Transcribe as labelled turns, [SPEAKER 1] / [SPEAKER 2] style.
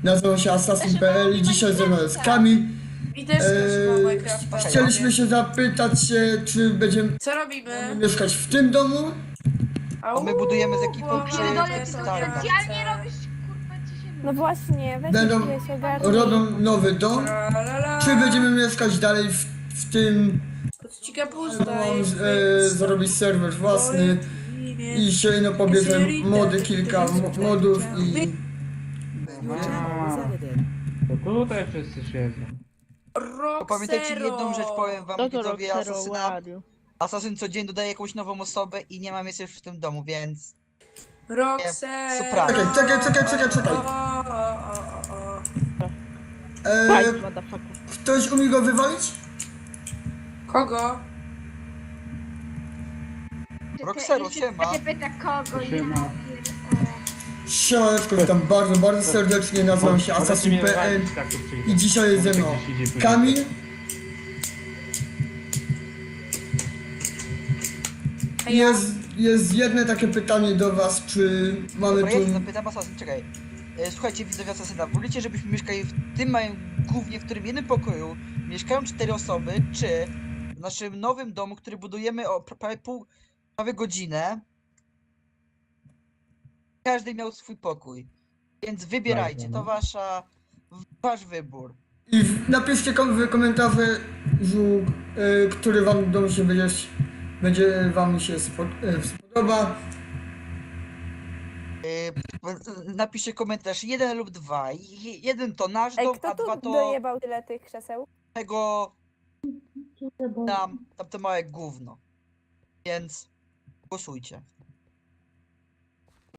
[SPEAKER 1] Nazywam się Assassin.pl i dzisiaj ze mną jest Kamil.
[SPEAKER 2] I też mam Minecrafta.
[SPEAKER 1] Chcieliśmy się zapytać się, czy będziemy
[SPEAKER 2] Co robimy?
[SPEAKER 1] mieszkać w tym domu,
[SPEAKER 2] Au,
[SPEAKER 3] my budujemy z ekipą
[SPEAKER 2] bo
[SPEAKER 3] przy-
[SPEAKER 2] mamy
[SPEAKER 3] Pierdolę,
[SPEAKER 2] są
[SPEAKER 3] ty to
[SPEAKER 2] granice.
[SPEAKER 4] specjalnie robisz, kurwa, ci się...
[SPEAKER 5] No właśnie, weź
[SPEAKER 1] Będą-
[SPEAKER 5] się ogarnij.
[SPEAKER 1] robią nowy dom,
[SPEAKER 2] La, la, la.
[SPEAKER 1] czy będziemy mieszkać dalej w tym,
[SPEAKER 2] Ci kapusta
[SPEAKER 1] mam
[SPEAKER 2] jest
[SPEAKER 1] zrobić serwer własny i się pobierze mody, kilka modów i...
[SPEAKER 6] To tutaj wszyscy siedzą.
[SPEAKER 3] To pamiętajcie, jedną rzecz powiem wam, widzowie Asasyna.
[SPEAKER 5] Roxero,
[SPEAKER 3] Asasyn co dzień dodaje jakąś nową osobę i nie mam jeszcze w tym domu, więc...
[SPEAKER 2] Roxero.
[SPEAKER 3] Surprise.
[SPEAKER 1] Czekaj. Ktoś umie go wywalić?
[SPEAKER 2] Kogo?
[SPEAKER 3] Roxero, siema.
[SPEAKER 4] Się pyta kogo, ja
[SPEAKER 6] Siema.
[SPEAKER 4] pierdolę.
[SPEAKER 1] Siemaneczko, witam bardzo serdecznie, nazywam się Assassin.pl i dzisiaj jest ze mną Kamil, jest jedno takie pytanie do was, czy mamy
[SPEAKER 3] Dobra, ja
[SPEAKER 1] tu...
[SPEAKER 3] zapytam Asasyn, czekaj. Słuchajcie, widzowie Asasyna, wolicie, żebyśmy mieszkali w tym małym głównie, w którym jednym pokoju mieszkają 4 osoby, czy w naszym nowym domu, który budujemy o prawie godzinę, każdy miał swój pokój. Więc wybierajcie, to wasz wybór.
[SPEAKER 1] I napiszcie w komentarzu, który wam dom się będzie wam się spodoba.
[SPEAKER 3] Napiszcie komentarz 1 lub 2. Jeden to nasz
[SPEAKER 5] Ej,
[SPEAKER 3] dom,
[SPEAKER 5] kto
[SPEAKER 3] a 2
[SPEAKER 5] tu
[SPEAKER 3] to
[SPEAKER 5] dojebał tyle tych krzeseł?
[SPEAKER 3] tego tamte małe gówno. Więc głosujcie.